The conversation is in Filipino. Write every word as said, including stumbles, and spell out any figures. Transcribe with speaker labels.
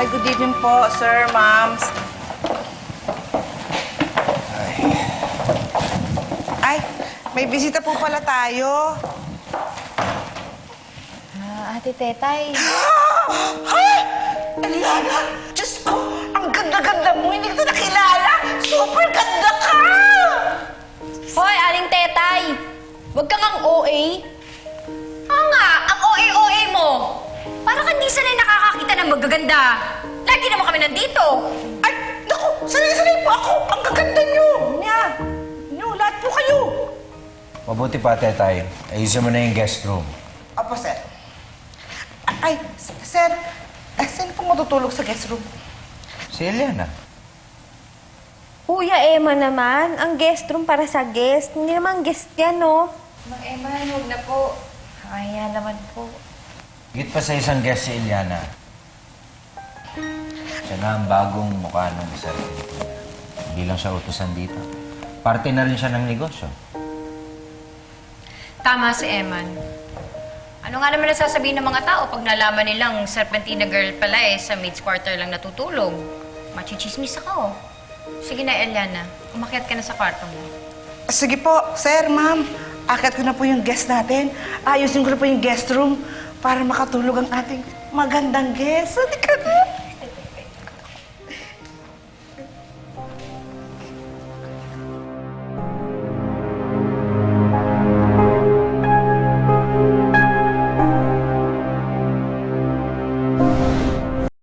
Speaker 1: good evening po, sir, ma'am.
Speaker 2: Ay.
Speaker 1: Ay, may bisita po pala tayo.
Speaker 3: Ah, Ate Tetay.
Speaker 1: Ay! Eliana! Diyos ko! Ang ganda-ganda mo! Hindi kita nakilala! Super ganda ka!
Speaker 3: Hoy, Aling Tetay! Huwag kang ang O A.
Speaker 4: Oo nga, ang O A-O A mo. Parang hindi sanay nakakakita ng magaganda. Lagi naman kami nandito.
Speaker 1: Ay! Naku! Sanay-sanay po ako! Ang gaganda niyo! Niya! Niyo, lahat po kayo!
Speaker 2: Mabuti pa, Tetay. Ayusin mo na yung guest room.
Speaker 1: Apo, sir. Ay, sir. Eh, saan po matutulog sa guest room?
Speaker 2: Si Eliana.
Speaker 3: Kuya Emma naman, ang guest room para sa guest. Hindi naman guest yan, no?
Speaker 4: Mang Emma, huwag na po. Kaya naman po.
Speaker 2: Higit pa sa isang guest si Eliana. Siya na ang bagong mukha ng isa rin. Hindi lang siya utusan dito. Parte na rin siya ng negosyo.
Speaker 4: Tama si Eman. Ano nga naman nasasabihin ng mga tao pag nalaman nilang Serpentina girl pala eh sa maid's quarter lang natutulog? Machichismis ako. Sige na, Eliana. Umakyat ka na sa kwarto mo.
Speaker 1: Sige po, sir, ma'am. Akit ko na po yung guest natin. Ayusin ko na po yung guest room para makatulog ang ating magandang guest. Hindi ka na.